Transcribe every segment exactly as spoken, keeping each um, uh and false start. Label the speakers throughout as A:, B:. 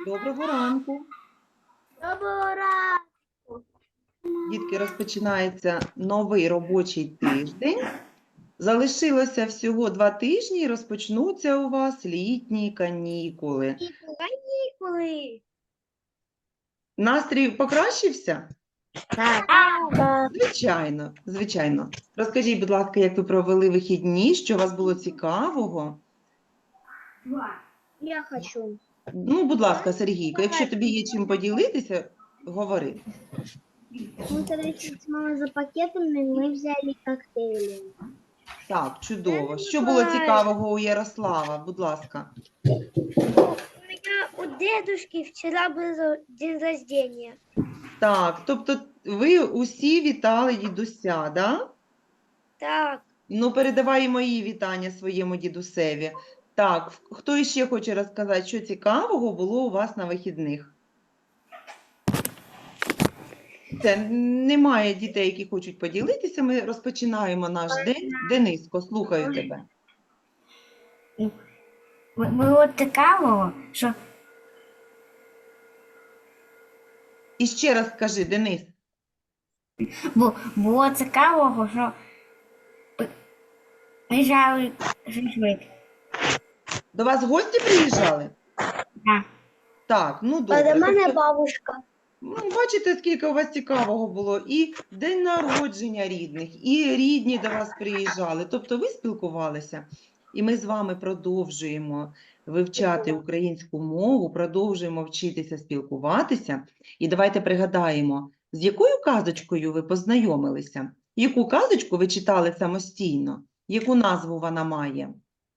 A: Доброго ранку.
B: Доброго ранку.
A: Дітки, розпочинається новий робочий тиждень. Залишилося всього два тижні і розпочнуться у вас літні канікули.
B: Канікули.
A: Настрій покращився?
B: Так.
A: Звичайно, звичайно. Розкажіть, будь ласка, як ви провели вихідні, що у вас було цікавого?
B: Я хочу.
A: Ну, будь ласка, Сергійко, якщо тобі є чим поділитися, говори.
B: Мы когда шли с мамой за пакетами, мы взяли коктейли.
A: Так, чудово. Що було цікавого у Ярослава? Будь ласка.
B: У меня у дедушки вчера был день рождения.
A: Так, тобто ви усі вітали дідуся, да?
B: Так.
A: Ну, передавай і мої вітання своєму дідусеві. Так, хто іще хоче розказати, що цікавого було у вас на вихідних? Це немає дітей, які хочуть поділитися. Ми розпочинаємо наш день. Дениско, слухаю тебе.
C: Було цікаво, що
A: І ще раз скажи, Денис.
C: було цікавого, що приїжджали шашлик.
A: До вас гості приїжджали?
C: Так.
A: Так, ну
B: А
A: добре.
B: до мене
A: Тобто,
B: бабушка.
A: ну, бачите, скільки у вас цікавого було. І день народження рідних, і рідні до вас приїжджали. Тобто ви спілкувалися. І ми з вами продовжуємо вивчати українську мову, продовжуємо вчитися спілкуватися. І давайте пригадаємо, з якою казочкою ви познайомилися? Яку казочку ви читали самостійно? Яку назву вона має?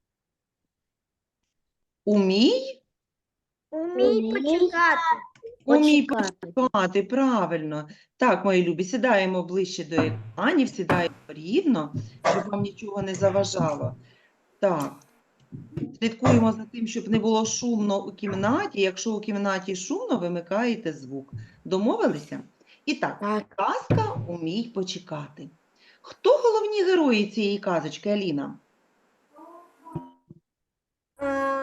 A: Умій?
B: Умій почекати.
A: Умій почекати, правильно. Так, мої любі, сідаємо ближче до екранів, сідаємо рівно, щоб вам нічого не заважало. Так, слідкуємо за тим, щоб не було шумно у кімнаті. Якщо у кімнаті шумно, вимикаєте звук. Домовилися? І так,
C: Так.
A: казка «Умій почекати». Хто головні герої цієї казочки, Аліна?
B: А,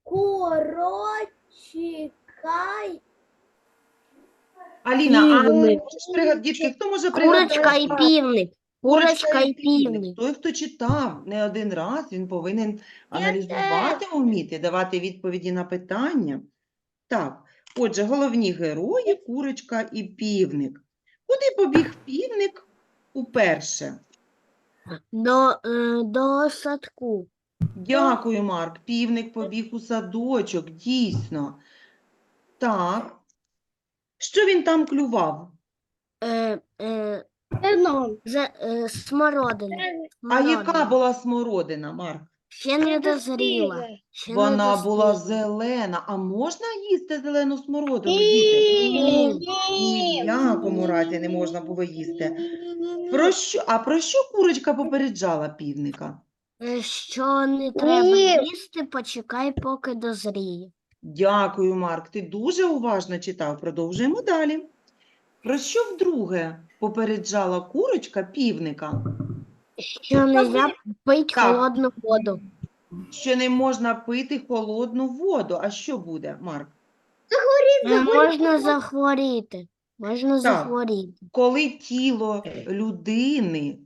B: Корочекай.
A: Аліна, а
C: Півник.
A: можеш пригадати, дітки, хто може пригадати?
C: Курочка і півник. Курочка і півник.
A: Той, хто читав не один раз, він повинен аналізувати вміти, давати відповіді на питання. Так, отже, головні герої – курочка і півник. Куди побіг півник уперше?
C: До, е, до садку.
A: Дякую, Марк. Півник побіг у садочок, дійсно. Так. Що він там клював?
C: Е, е,
B: Еном.
C: за, е, смородина.
A: А яка
C: Смородина.
A: була смородина, Марк?
C: Ще не дозріла. Ще не
A: Вона була
C: дозріла.
A: зелена. А можна їсти зелену смородину, діти?
C: Ні.
A: Ні в якому разі не можна було їсти. Про що? А про що курочка попереджала півника?
C: Е, Що не треба їсти, почекай, поки дозріє.
A: Дякую, Марк. Ти дуже уважно читав. Продовжуємо далі. Про що вдруге попереджала курочка півника?
C: Що не можна пити
A: Так.
C: холодну воду.
A: Що не можна пити холодну воду. А що буде, Марк?
C: Не можна захворіти. Можна захворіти.
A: Коли тіло людини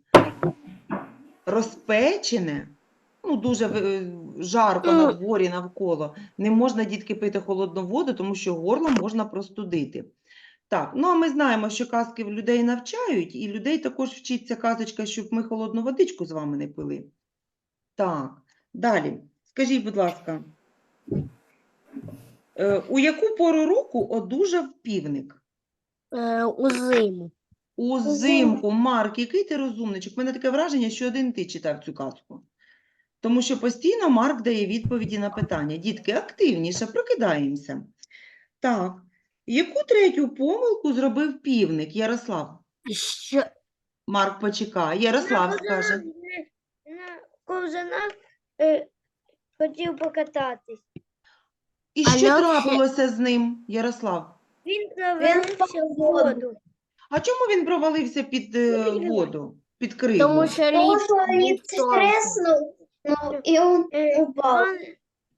A: розпечене, ну, дуже е, жарко на дворі навколо, не можна, дітки, пити холодну воду, тому що горло можна простудити. Так, ну а ми знаємо, що казки в людей навчають, і людей також вчиться казочка, щоб ми холодну водичку з вами не пили. Так, далі. Скажіть, будь ласка, е, у яку пору року одужав півник?
C: Е, у зиму.
A: Узимку. Марк, який ти розумничок? У мене таке враження, що один ти читав цю казку. Тому що постійно Марк дає відповіді на питання. Дітки, активніше, прокидаємося. Так, яку третю помилку зробив півник, Ярослав?
C: Що,
A: Марк почекає. Ярослав скаже.
B: На ковзанах е, хотів покататись.
A: І що
C: Алло,
A: трапилося з ним, Ярослав?
B: Він провалився в воду.
A: А чому він провалився під е, воду, під кригу?
C: тому що лід був тонкий.
B: ну, і він упав.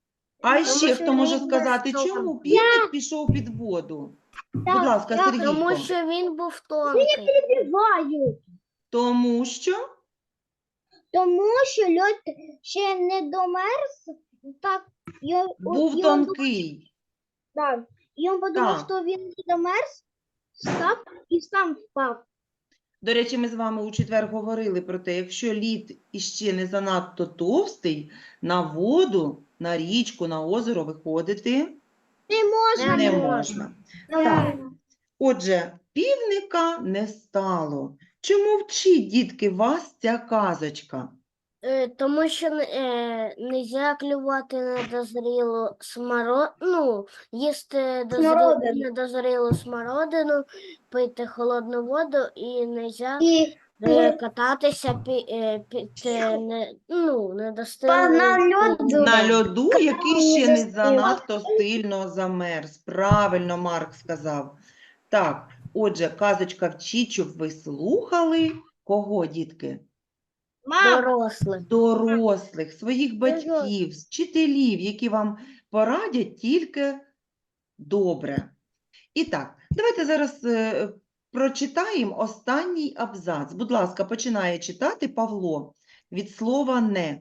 A: А
C: Тому
A: ще
C: що
A: хто може
C: він
A: сказати,
C: без
A: чому
C: того.
A: півник пішов під воду? Будь ласка, Сергійко.
C: Тому що він був тонкий.
B: Перебиваю.
A: Тому що
B: Тому що льод ще не домерз, так, і, он-
A: був
B: і он
A: тонкий.
B: Так. І він подумав,
A: Так.
B: що він не домерз, став і сам впав.
A: До речі, ми з вами у четвер говорили про те, якщо лід іще не занадто товстий, на воду, на річку, на озеро виходити
B: Не можна.
A: не
C: можна.
A: можна. Так. Отже, півника не стало. Чому вчить, дітки, вас ця казочка?
C: Е, Тому що е, не можна клювати недозрілу смородину, ну, їсти дозрі...
B: Смородину.
C: недозрілу смородину, пити холодну воду і не можна
B: І
C: кататися під, під е, не, ну,
B: Па-
C: недостиглим
B: на льоду.
C: льодом.
A: На льоду, який ще не
B: застила.
A: занадто сильно замерз. Правильно Марк сказав. Так, отже, казочка вчить, щоб ви слухали кого, дітки?
B: Мам,
C: Дорослих.
A: Дорослих, своїх батьків, вчителів, які вам порадять тільки добре. І так, давайте зараз е, прочитаємо останній абзац. Будь ласка, починає читати Павло від слова «не».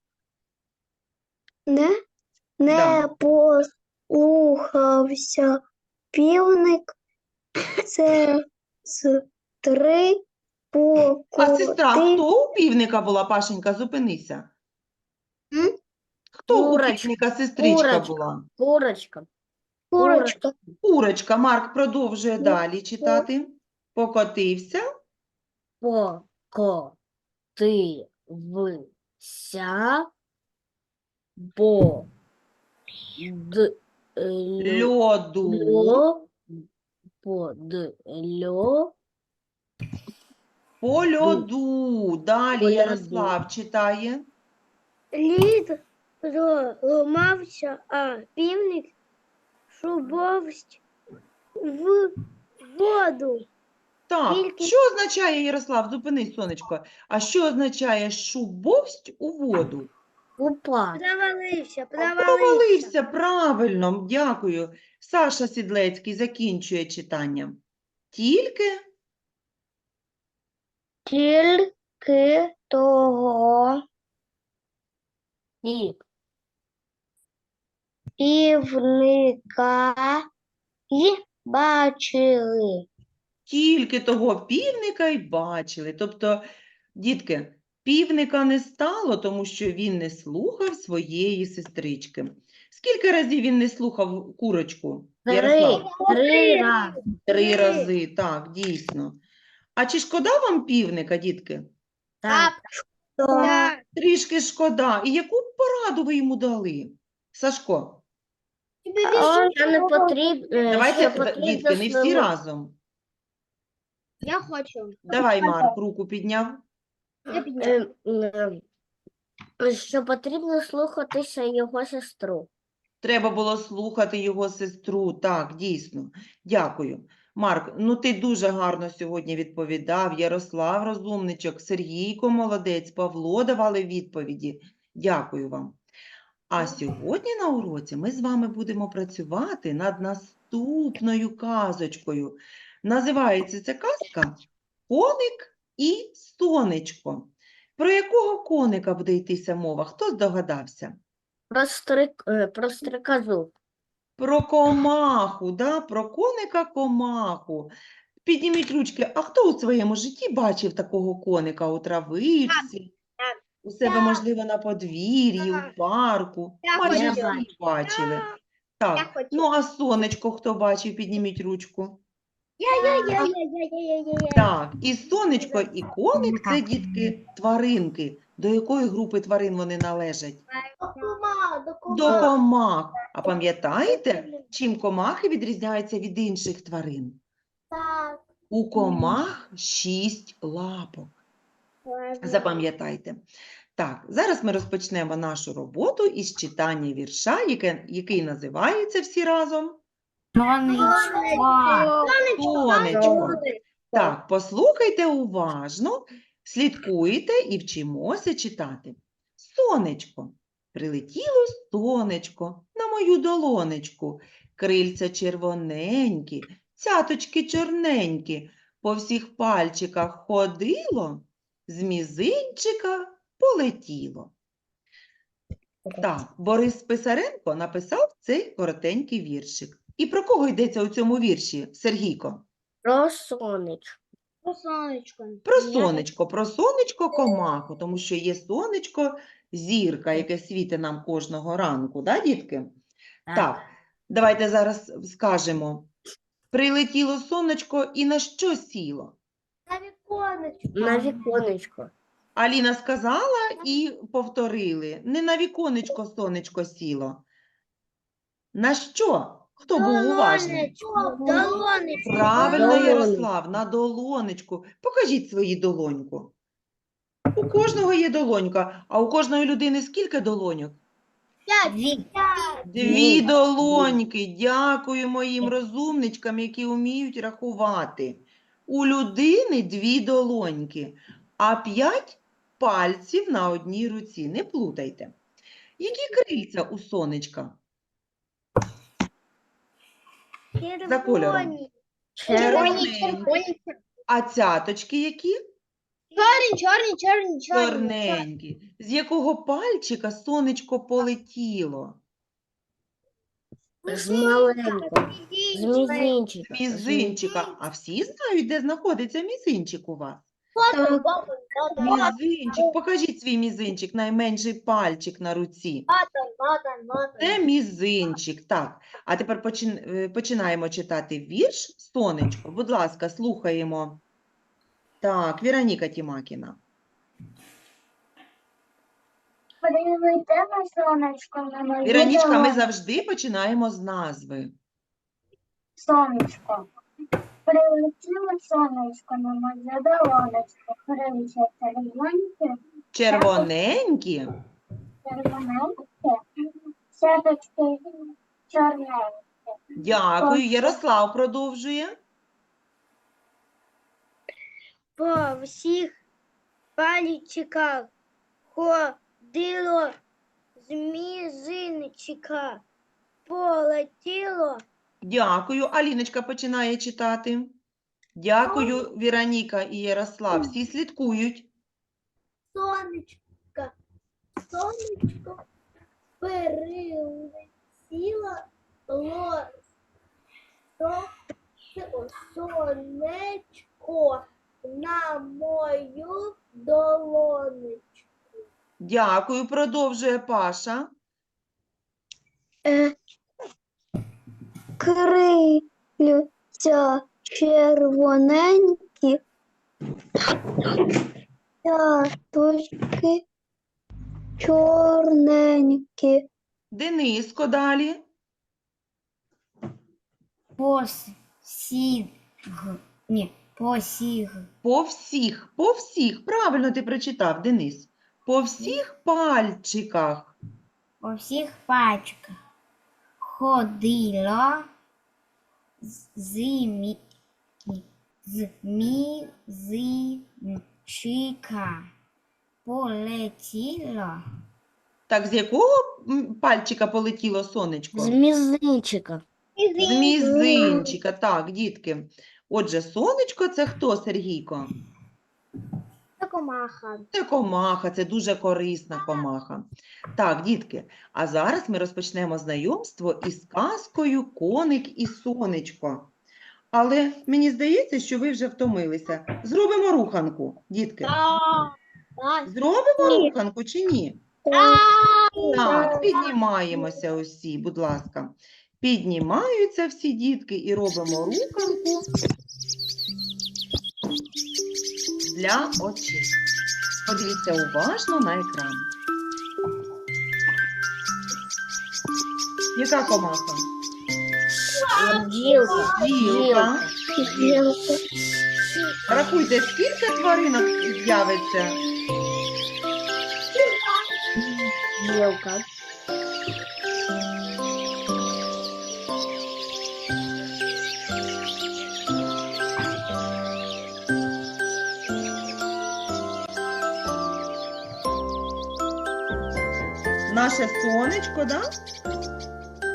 B: не, не
A: Да.
B: послухався півник, це з три
A: А сестра,
B: покоти.
A: хто у півника була, Пашенька, зупинися.
B: М?
A: Хто у
C: Курочка,
A: півника сестричка
C: курочка.
A: була?
C: Курочка.
B: Курочка.
A: Курочка. Марк продовжує далі читати. Покотився.
C: Покотився по д льо-
A: Льоду.
C: льо- по д льо-
A: По льоду. Далі
C: По льоду.
A: Ярослав читає.
B: Лід ламався, а півник шубовсть в воду.
A: Так,
B: Тільки-
A: що означає, Ярослав, зупинись, сонечко. А що означає шубовсть у воду?
C: упав.
B: Провалився,
A: Провалився, правильно, дякую. Саша Сідлецький закінчує читання. Тільки
B: Тільки того
C: І
B: півника й бачили.
A: Тільки того півника й бачили. Тобто, дітки, півника не стало, тому що він не слухав своєї сестрички. Скільки разів він не слухав курочку?
C: три,
A: Ярослав?
C: три рази.
A: Три рази, так, дійсно. А чи шкода вам півника, дітки?
C: Так.
B: Так.
A: Трішки шкода. І яку б пораду ви йому дали? Сашко,
C: Що не потрібно,
A: давайте,
C: що
A: д-
C: потрібно
A: дітки, не всі
C: слимо-
A: разом.
B: Я хочу.
A: Давай, Марк, руку підняв.
C: Е, е, що потрібно слухатися його сестру.
A: Треба було слухати його сестру. Так, дійсно. Дякую. Марк, ну ти дуже гарно сьогодні відповідав. Ярослав розумничок, Сергійко молодець, Павло давали відповіді. Дякую вам. А сьогодні на уроці ми з вами будемо працювати над наступною казочкою. Називається ця казка «Коник і сонечко». Про якого коника буде йтися мова? Хто здогадався?
C: Про, стрик, е, про стрикозу.
A: Про комаху, да? Про коника комаху. Підніміть ручки. А хто у своєму житті бачив такого коника у травичці? У себе, можливо, на подвір'ї, у парку.
B: Я
A: Майже
C: хочу.
A: всі бачили.
B: Я
A: Так,
B: хочу.
A: ну а сонечко хто бачив? Підніміть ручку.
B: Я-я-я-я-я-я-я-я.
A: Так, і сонечко, і коник – це, дітки, тваринки. До якої групи тварин вони належать? До комах. А пам'ятаєте, чим комахи відрізняються від інших тварин?
B: Так.
A: У комах шість лапок. Запам'ятайте. Так, зараз ми розпочнемо нашу роботу із читання вірша, яке, який називається всі разом «Сонечко». Так, послухайте уважно, слідкуйте і вчимося читати. Сонечко. Прилетіло сонечко мою долонечку. Крильця червоненькі, цяточки чорненькі. По всіх пальчиках ходило, з мізинчика полетіло. Так, Борис Писаренко написав цей коротенький віршик. І про кого йдеться у цьому вірші, Сергійко?
C: Про сонечко.
B: Про сонечко.
A: Про сонечко, про сонечко комаху, тому що є сонечко, зірка, яке світить нам кожного ранку, да, дітки? Так, давайте зараз скажемо. Прилетіло сонечко і на що сіло?
B: На віконечко.
C: На віконечко.
A: Аліна сказала і повторили. Не на віконечко сонечко сіло. На що? Хто був уважний?
B: Долонечко. Долонечко.
A: Правильно,
C: Долонечко.
A: Ярослав, на долонечку. Покажіть свою долоньку. У кожного є долонька, а у кожної людини скільки долоньок?
C: Дві.
A: Дві долоньки. Дякую моїм розумничкам, які вміють рахувати. У людини дві долоньки, а п'ять пальців на одній руці. Не плутайте. Які крильця у сонечка? За кольором. Червоненькі. А цяточки які?
B: Чорні, чорні, чорні,
A: Чорненькі. З якого пальчика сонечко полетіло?
C: З маленького. З мізинчика.
A: Мізинчика. А всі знають, де знаходиться мізинчик у вас?
C: Так.
A: Мізинчик. Покажіть свій мізинчик, найменший пальчик на руці. Це мізинчик. Так. А тепер почин- е, починаємо читати вірш «Сонечко». Будь ласка, слухаємо. Так, Віроніка Тімакіна.
B: Прилетіло сонечко на мою
A: Віронічка, ми
B: долонечку.
A: завжди починаємо з назви.
B: Сонечко. Прилетіло сонечко на мою долонечку. Крильця червоненькі,
A: Червоненькі.
B: червоненькі, сяточки чорненькі.
A: Дякую. Ярослав продовжує.
B: По всіх пальчиках ходило з мізинчика, полетіло.
A: Дякую. Аліночка починає читати. Дякую, Віроніка і Ярослав. Всі слідкують.
B: Сонечко, сонечко перелетіло лос. Сонечко на мою долонечку.
A: Дякую. Продовжує Паша.
B: Крильця червоненькі, цяточки чорненькі.
A: Дениско далі.
C: Посіг. Ні, посіг.
A: По всіх, по всіх. Правильно ти прочитав, Денис. По всіх пальчиках.
D: По всіх пальчиках ходило з, мі, з мізинчика. Полетіло.
A: Так, з якого м, пальчика полетіло сонечко?
C: З мізинчика.
A: З мізинчика. Так, дітки. Отже, сонечко – це хто, Сергійко?
B: Це комаха.
A: Це комаха, це дуже корисна комаха. Так, дітки, а зараз ми розпочнемо знайомство із казкою «Коник і сонечко». Але мені здається, що ви вже втомилися. Зробимо руханку, дітки. Зробимо руханку чи ні? Так, піднімаємося усі, будь ласка. Піднімаються всі дітки і робимо руханку для очей. Подивіться уважно на екран. Яка комаха?
C: Бджілка.
A: Білка. Рахуйте, скільки тваринок з'явиться?
C: Бджілка.
A: Наше сонечко, да?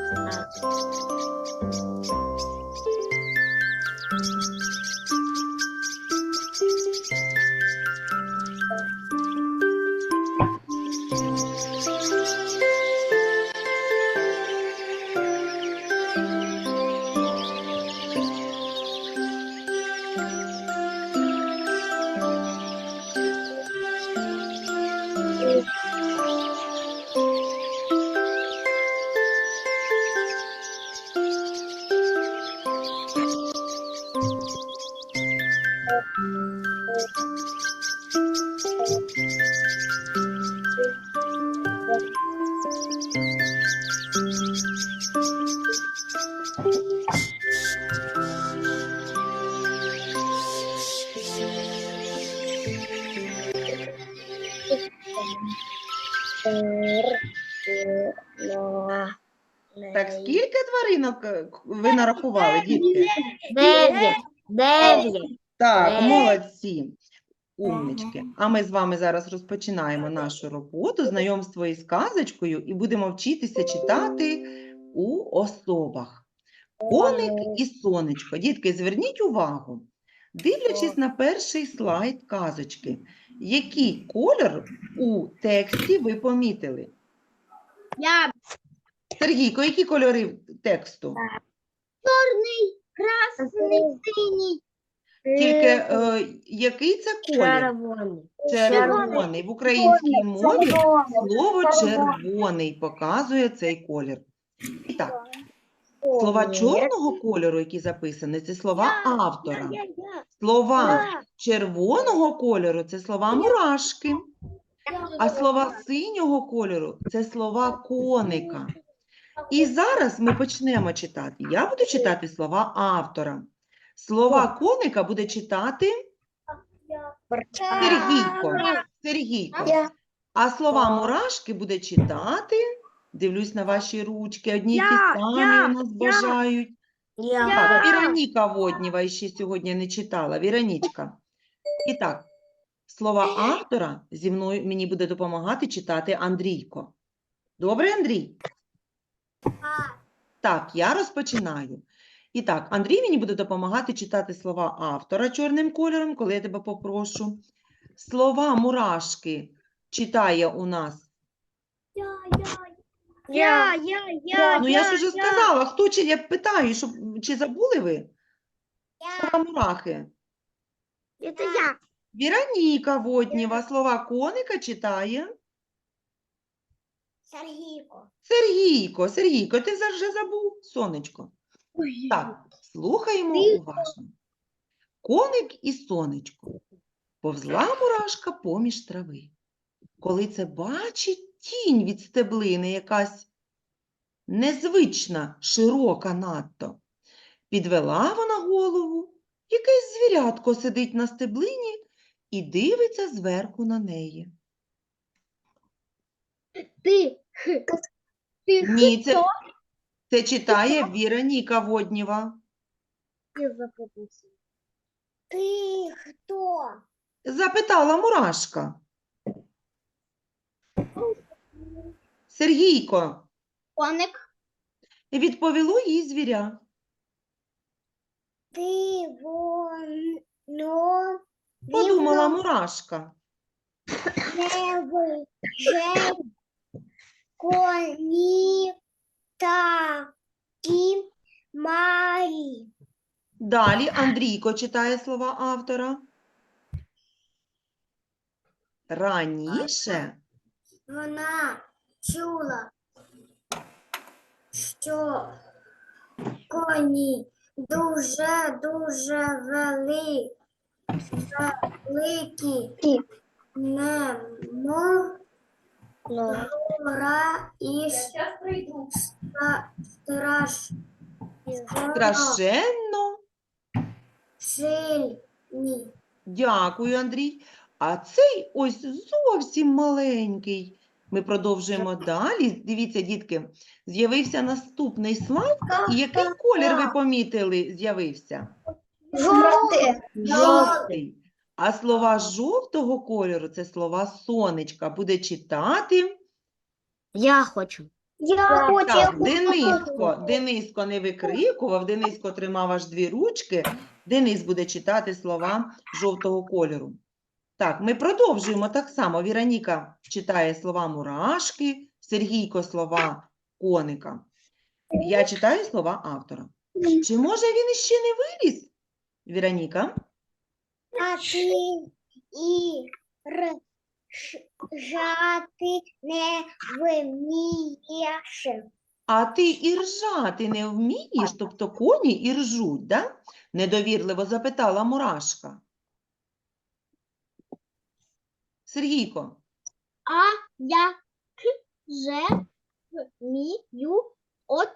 A: Так, скільки тваринок е, к- ви нарахували, дітки?
C: Дев'ять. Дев'ять.
A: Так,
C: Е.
A: молодці, умнички. А ми з вами зараз розпочинаємо нашу роботу, знайомство із казочкою, і будемо вчитися читати у особах. Коник і сонечко. Дітки, зверніть увагу. Дивлячись на перший слайд казочки, який колір у тексті ви помітили?
B: Я
A: Сергійко, які кольори тексту?
B: красный, синий.
A: Тільки е, який це колір?
C: Червоний.
A: Червоний. В українській мові слово червоний показує цей колір. І так, слова чорного кольору, які записані, це слова автора.
B: Я, я,
A: Слова
B: я.
A: червоного кольору – це слова мурашки. А слова синього кольору – це слова коника. І зараз ми почнемо читати. Я буду читати слова автора. Слова коника буде читати Сергійко. Сергійко. А слова мурашки буде читати, дивлюсь на ваші ручки, одні й ті
B: Я,
A: самі
B: я,
A: у нас
B: я.
A: бажають.
C: Я.
A: Так, Віроніка Воднєва ще сьогодні не читала. Віронічка. І так, слова автора зі мною мені буде допомагати читати Андрійко. Добре, Андрій? Так, я розпочинаю. І так, Андрій мені буде допомагати читати слова автора чорним кольором, коли я тебе попрошу. Слова мурашки читає у нас.
B: Я, я, я,
A: Ну, я ж уже сказала, хто чи я питаю, щоб, чи забули ви? Слова мурахи.
B: Это я.
A: Віроніка Воднєва слова коника читає.
B: Сергійко.
A: Сергійко, Сергійко, ти за- вже забув? Сонечко. Так, слухаємо уважно. Коник і сонечко. Повзла мурашка поміж трави. Коли це бачить тінь від стеблини, якась незвична, широка надто, підвела вона голову, якесь звірятко сидить на стеблині і дивиться зверху на неї.
B: Ты. Ты
A: Ні, це, це читає Віроніка Воднєва.
B: Ты кто?
A: Запитала мурашка. Сергійко,
B: Коник.
A: відповіло їй звіря.
B: Ты вон, но
A: Подумала мурашка.
B: левый же кони таки мари.
A: Далі Андрійко читає слова автора. Раніше
B: Вона чула, що коні дуже-дуже вели, великі, немов гора і ста- страш,
A: страшенно.
B: сильні.
A: Дякую, Андрій. А цей ось зовсім маленький. Ми продовжуємо далі. Дивіться, дітки, з'явився наступний слайд. І який колір ви помітили з'явився?
B: Жовте.
A: Жовтий. А слова жовтого кольору – це слова сонечка. Буде читати.
C: Я хочу.
B: Я
A: Так, Дениско. Дениско не викрикував, Дениско тримав аж дві ручки. Денис буде читати слова жовтого кольору. Так, ми продовжуємо так само. Віроніка читає слова мурашки, Сергійко слова коника. Я читаю слова автора. Чи може він іще не виліз? Віроніка?
B: А ти і р ш- жати не вмієш.
A: А ти і ржати не вмієш, тобто коні і ржуть, да? Недовірливо запитала мурашка. Сергійко,
B: А я к же вмію от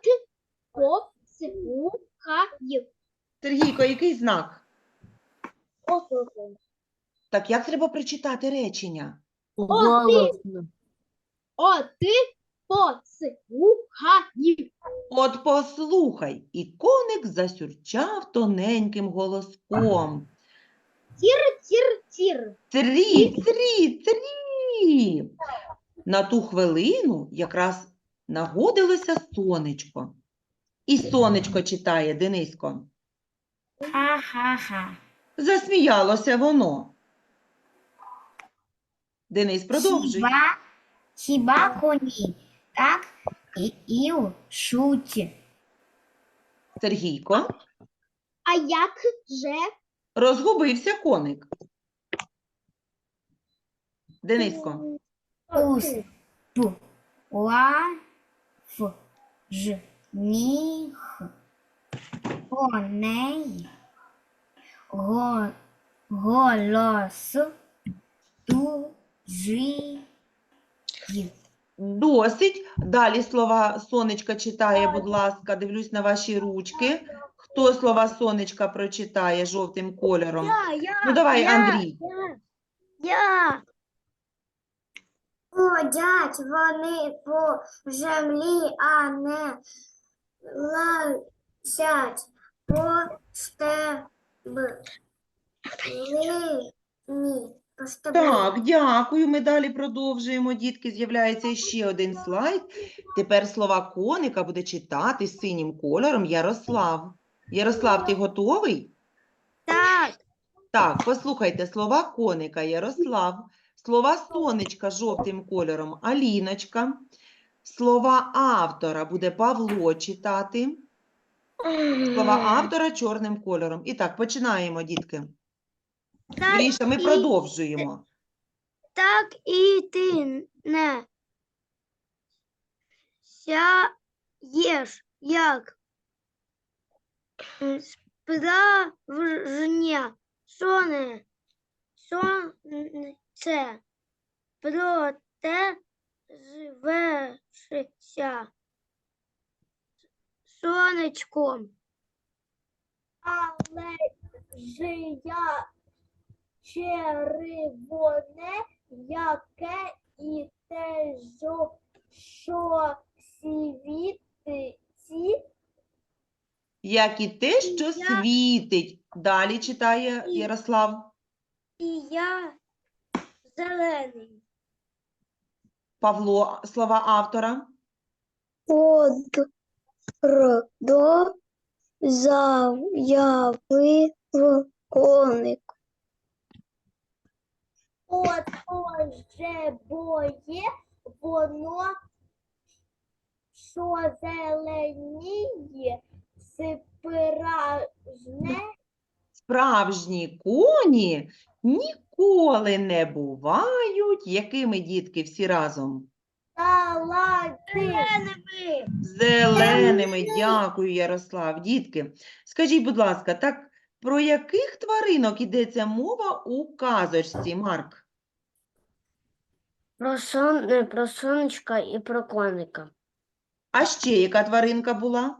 B: послухаю.
A: Сергійко, який знак?
B: Послухаю.
A: Так як треба прочитати речення?
C: Голосно.
B: О, ти послухай.
A: От послухай, і коник засюрчав тоненьким голоском.
B: Тір-тір-тір.
A: Трі, трі, трі. На ту хвилину якраз нагодилося сонечко. І сонечко читає, Денисько.
D: Ха-ха-ха.
A: Засміялося воно. Денис, продовжуй.
D: Хіба, хіба коні так і, і шуть.
A: Сергійко.
B: А як же?
A: Розгубився коник. Дениско.
D: Ус, п, ла, ф, ж, ні, х. Коней, го, голос, ту, жи, й.
A: Досить. Далі слова сонечка читає, будь ласка. Дивлюсь на ваші ручки. Хто слова сонечка прочитає жовтим кольором?
B: Я, я,
A: Ну давай,
B: я,
A: Андрій.
B: Я. Я.
C: Ходять вони по землі, а не лазять по стеблині. По стеблині.
A: Так, дякую. Ми далі продовжуємо. Дітки, з'являється ще один слайд. Тепер слова коника буде читати синім кольором Ярослав. Ярослав, ти готовий?
B: Так.
A: Так, послухайте, слова коника Ярослав, слова сонечка жовтим кольором Аліночка, слова автора буде Павло читати, слова автора чорним кольором. І так, починаємо, дітки.
B: Так,
A: Гріша, ми
B: і-
A: продовжуємо.
B: Так і ти не сяєш, як справжнє соне, сонце, проте звершиться сонечком. Але ж я червоне, яке і те, що, що світить,
A: Як і те, що
B: Я-
A: світить. Далі читає
B: І-
A: Ярослав.
B: і я зелений.
A: Павло, слова автора.
B: Од до заявив коник. От же боє воно, що зеленіє, спражне.
A: Справжні коні ніколи не бувають. Якими, дітки, всі разом?
B: Зеленими.
A: Зеленими. Дякую, Ярослав. Дітки, скажіть, будь ласка, так про яких тваринок йдеться мова у казочці, Марк?
C: Про, сон, е, про сонечка і про коника.
A: А ще яка тваринка була?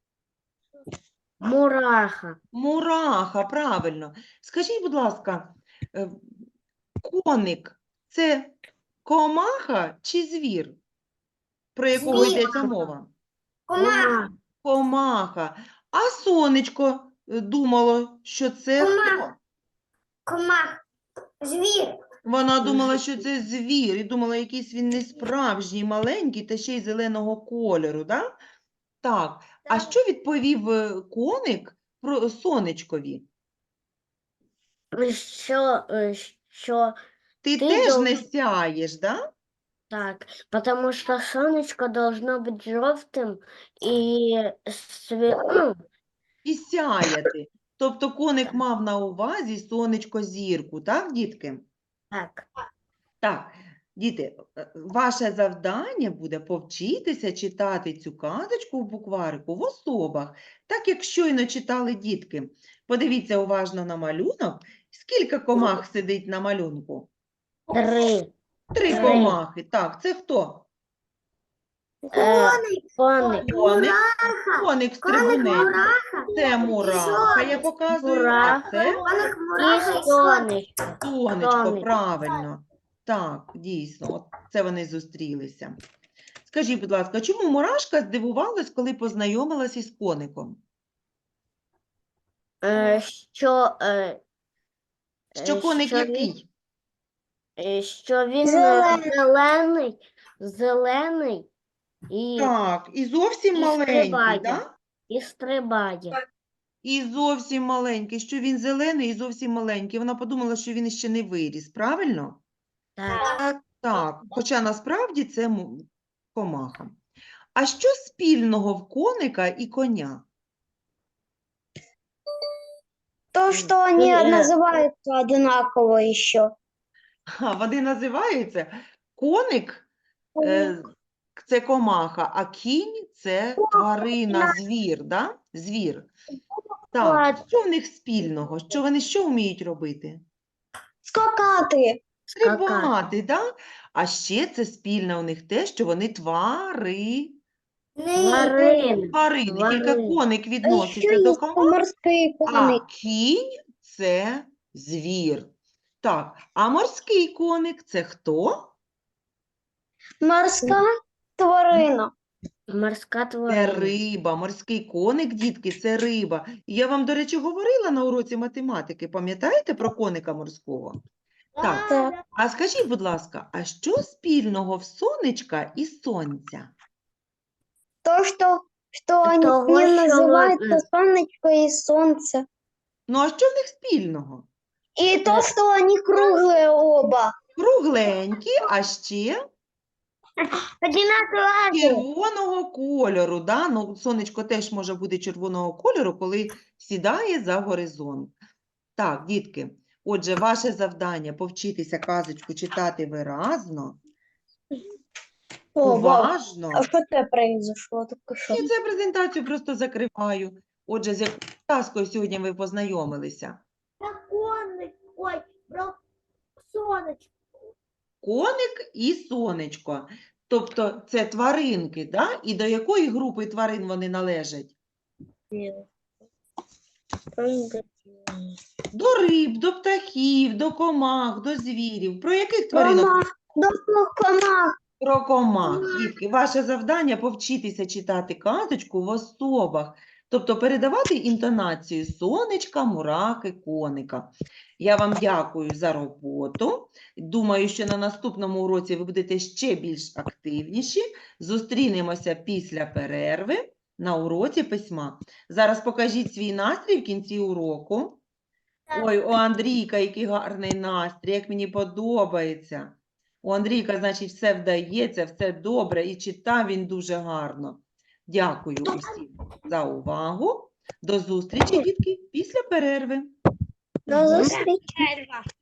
C: Мураха.
A: Мураха, правильно. Скажіть, будь ласка, е, коник – це комаха чи звір? Про якого
C: Звір.
A: йдеться мова?
C: Комаха.
A: Комаха. А сонечко е, думало, що це хто?
C: Комах. Звір.
A: Вона думала, що це звір, і думала, якийсь він несправжній, маленький, та ще й зеленого кольору, да? Так. А що відповів е, коник про сонечкові?
C: Що, е, що
A: Ти
C: Ти
A: теж
C: дов-
A: не сяєш, да?
C: так, потому что солнышко должно быть желтым и све... ну,
A: І сяяти. Тобто коник мав на увазі сонечко зірку, так, дітки?
C: так.
A: Так, діти, е, ваше завдання буде повчитися читати цю казочку в букварику в особах, так як щойно читали дітки. Подивіться уважно на малюнок. Скільки комах сидить на малюнку?
C: Три.
A: Три
C: Три.
A: комахи. Так, це хто?
C: Е, коник.
A: Коник. Коник стрибунець. Це мураха, я показую. А
C: Мураха.
A: це
C: І сонечко.
A: сонечко,
C: Сонечко.
A: правильно. Так, дійсно, от це вони зустрілися. Скажіть, будь ласка, чому мурашка здивувалась, коли познайомилась із коником?
C: Е, що, е,
A: Що
C: Е,
A: коник
C: що він-
A: який?
C: е, що він е,
B: Зелений.
C: зелений, зелений і,
A: Так, і зовсім
C: і
A: маленький,
C: стрибає.
A: да?
C: і стрибає.
A: І зовсім маленький, що він зелений і зовсім маленький. Вона подумала, що він ще не виріс, правильно?
C: Так.
A: Так, хоча насправді це му- комаха. А що спільного в коника і коня?
B: То, что они
C: Э.
B: называются одинаково еще.
A: А, вони називаються коник е, це комаха, а кінь це тварина, звір, да? Звір. Так, що в них спільного? Що вони що вміють робити?
B: Скакаты.
C: Скакати.
A: Стрибати, да? А ще це спільне у них те, що вони твари.
C: Тварини.
A: Тварини. Тільки
C: Тварини.
A: коник
B: А еще
A: відноситься до
B: есть
A: комах,
B: морские
A: а
B: коны.
A: кінь це звір. Так, а морський коник це хто?
B: Морская тварина.
C: Морська
A: Це
C: тварина.
A: риба. Морський коник, дітки, це риба. І я вам, до речі, говорила на уроці математики, пам'ятаєте про коника морського? Так,
B: Так.
A: а скажіть, будь ласка, а що спільного в сонечка і сонця?
B: То, что, что они
C: Того,
B: не
C: що
B: называются
C: ладно.
B: солнечко и солнце.
A: Ну, а що в них спільного?
B: И то, что они круглые оба.
A: Кругленькі, а ще
B: Одинаковые.
A: червоного кольору. Да? Ну, сонечко теж може бути червоного кольору, коли сідає за горизонт. Так, дітки, отже, ваше завдання повчитися казочку читати виразно,
B: О, вау.
A: уважно.
B: А что это произошло? Только что.
A: І цю презентацію просто закриваю. Отже, з якою казкою сьогодні ви познайомилися?
B: Ой, про сонечко.
A: Коник і сонечко. Тобто це тваринки, да? І до якої групи тварин вони належать? До риб, до птахів, до комах, до звірів. Про яких тваринок?
B: Комах. До комах.
A: Про комах. Дітки, ваше завдання повчитися читати казочку в особах, тобто передавати інтонацію сонечка, мураки, коника. Я вам дякую за роботу. Думаю, що на наступному уроці ви будете ще більш активніші. Зустрінемося після перерви на уроці письма. Зараз покажіть свій настрій в кінці уроку. Ой, у Андрійка, який гарний настрій, як мені подобається. У Андрійка, значить, все вдається, все добре, і читав він дуже гарно. Дякую усім за увагу. До зустрічі, дітки, після перерви.
B: До зустрічі.